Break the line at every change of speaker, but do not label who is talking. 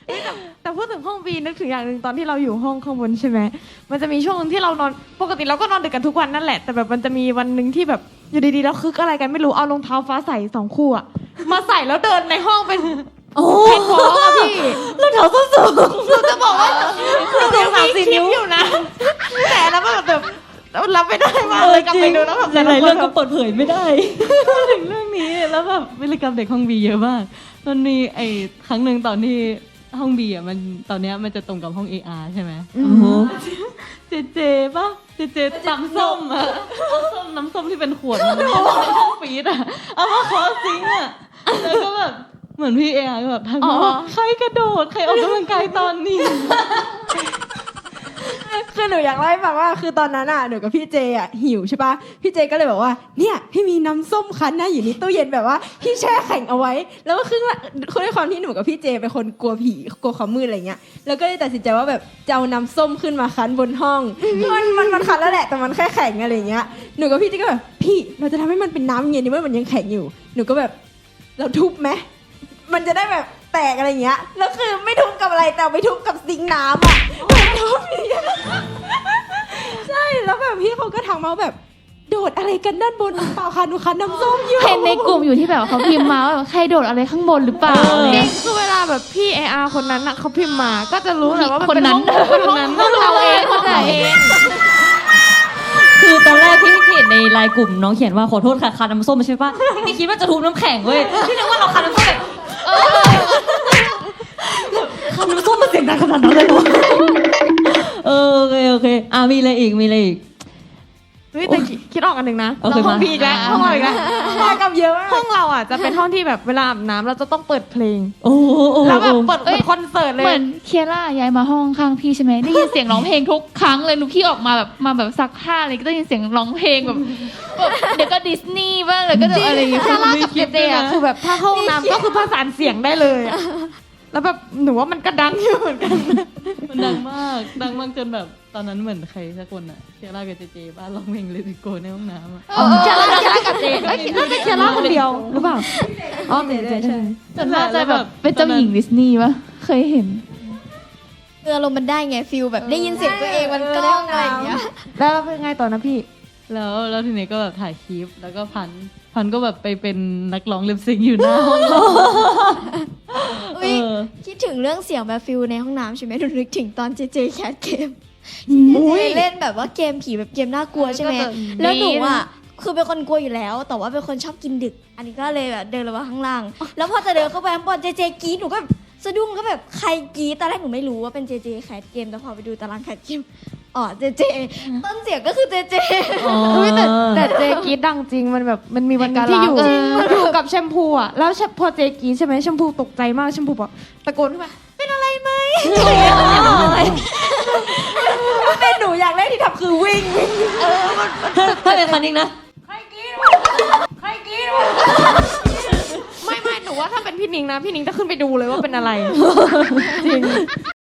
แต่พูดถึงห้องบีนึกถึงอย่างหนึ่งตอนที่เราอยู่ห้องข้างบนใช่ไหมมันจะมีช่วงนึงที่เรานอนปกติเราก็นอนดึกกันทุกวันนั่นแหละแต่แบบมันจะมีวันหนึ่งที่แบบอยู่ดีๆแล้วคึกอะไรกันไม่รู้เอารองเท้าฟ้าใส2 คู่อะมาใส่แล้วเดินในห้องเป็น
โอ้
แผ่นท้องอะพี่
รองเท้าส้นสูง
เราจะบอกว่าเรายังมีคลิปอยู่นะแต่แล้วแบบรับไม่ได้มากเลยกลับไปดูแล้วแบบ
หลายๆเรื่องก็เปิดเผยไม่ได้ถึงเรื่องนี้แล้วแบบวิรกรรมเด็กห้องบีเยอะมากมันมีครั้งหนึ่งตอนที่ห้องบีอ่ะมันตอนเนี้ยมันจะตรงกับห้อง AR ใช่ไหมเจป่ะเจตำส้มอ่ะน้ำส้มที่เป็นขวดมันในห้องฟีดอ่ะเอามาขอซิงค์อ่ะแล้วก็แบบเหมือนพี่ AR ก็แบบทักมาว่าใครกระโดดใครออกกำลังกายตอนนี้
คือหนูอยากเล่าให้ฟังว่าคือตอนนั้นอ่ะหนูกับพี่เจอ่ะหิวใช่ปะพี่เจก็เลยบอกว่าเนี่ยพี่มีน้ำส้มคั้นนะอยู่ในตู้เย็นแบบว่าพี่แช่แข็งเอาไว้แล้วก็คือด้วยความที่หนูกับพี่เจเป็นคนกลัวผีกลัวความมืดอะไรเงี้ยแล้วก็เลยตัดสินใจว่าแบบจะเอาน้ำส้มขึ้นมาคั้นบนห้องมันคั้นแล้วแหละแต่มันแค่แข็งอะไรเงี้ยหนูกับพี่เจก็แบบพี่เราจะทำให้มันเป็นน้ำเย็นนี่ว่ามันยังแข็งอยู่หนูก็แบบเราทุบไหมมันจะได้แบบแตกอะไรเงี้ยแล้วคือไม่ทุบกับอะไรแต่ไปทุบกับซิงค์น้ำอ่ะทุบใช่แล้วแบบพี่เขาก็ทักมาแบบโดดอะไรกันด้านบนเปล่าคะหนูคั้นน้ำส้มอยู่
เห็นในกลุ่มอยู่ที่แบบเขาพิมพ์มาว่าใครโดดอะไรข้างบนหรือเปล่า
จริงคือเวลาแบบพี่ AR คนนั้นน่ะเขาพิมพ์มาก็จะรู้แหละว่ามัน
คน
เป็น
นั้
ห้องเราเองเข้าใจเอง
คือตอนแรกที่เห็นในไลน์กลุ่มน้องเขียนว่าขอโทษค่ะคันน้ำส้มใช่ปะนี่คิดว่าจะทุบน้ำแข็งเว้ยที่นึกว่าเราคันน้ำส้มแบบคันน้ำส้มมันเสียงดังขนาดนั้นเลยเหรอโอเคมีอะไรอีก
เฮ้ยแต่คิดออกอันหนึ่งนะ
โอเค
เราห้อง
มา
พี่อีกแล้วห้องเราอีกแล้ว
มากับเยอะมาก
ห้องเราอ่ะจะเป็นห้องที่แบบเวลาอาบน้ำเราจะต้องเปิดเพลง
โอ้
แล้วแบบเปิดเหมือนคอนเสิร์ตเลย
เหมือนเคียร่าย้ายมาห้องข้างพี่ใช่ไหมได้ยินเสียงร้องเพลงทุกครั้งเลยหนูพี่ออกมาแบบมาแบบซักผ้าอะไรก็ได้ยินเสียงร้องเพลงแบบเดี๋ยวก็ดิสนีย์บ้างเลยก็จะอะไรอย่างเงี้ย
คาร่ากับเจเจอ่ะคือแบบถ้าห้องน้ำก็คือประสานเสียงได้เลยอะแล้วแบบหนูว่ามันก็ดังอยู่เหมือนกัน
มันดังมากจนแบบตอนนั้นเหมือนใครสักคนอะเคียร่ากับเจบ้านร้องเพลงเลติโกในห้องน้ำอะ
เคียร่ากับเจน่าจะเคียร่าคนเดียวหรือเปล่าอ๋อเจใช่
จนว่าจะแบบเป็นเจ้าหญิงดิสนีย์ปะเคยเห็น
อารมณ์มันได้ไงฟิลแบบได้ยินเสียงตัวเองมันกล้องอะไรอย่างเงี้ย
แล้วเป็นไงต่อนะพี่
แล้วทีนี้ก็แบบถ่ายคลิปแล้วก็พันก็แบบไปเป็นนักร้องลิปซิงค์อยู่หน้าห้อง
อุ๊ยคิดถึงเรื่องเสียงแบบฟิลในห้องน้ำใช่ไหมหนูนึกถึงตอนเจเจแคทเกมเล่นแบบว่าเกมผีแบบเกมน่ากลัวใช่ไหมแล้วหนูอ่ะคือเป็นคนกลัวอยู่แล้วแต่ว่าเป็นคนชอบกินดึก อันนี้ก็เลยแบบเดินลงมาข้างล่างแล้วพอจะเดินเข้าไปข้างบนเจเจกรี๊ดหนูก็สะดุ้งก็แบบใครกรี๊ดตอนแรกหนูไม่รู้ว่าเป็นเจเจแคทเกมแต่พอไปดูตารางแคทเกมอ๋อเจเจต้นเสียงก็คือเจเจ
แต่เจกีดังจริงมันแบบมันมีวันนึงที่อยู่กับแชมพูอ่ะแล้วพอเจกีใช่ไหมแชมพูตกใจมากแชมพูบอกตะโกนขึ้นมาเป็นอะไรไหม
เป็นหนูอย่างแรกที่ทำคือวิ่ง
ถ้าเป็นคันนี้นะ
ใครกรี๊ดไม่หนูว่าถ้าเป็นพี่นิงนะพี่นิงจะขึ้นไปดูเลยว่าเป็นอะไรจริง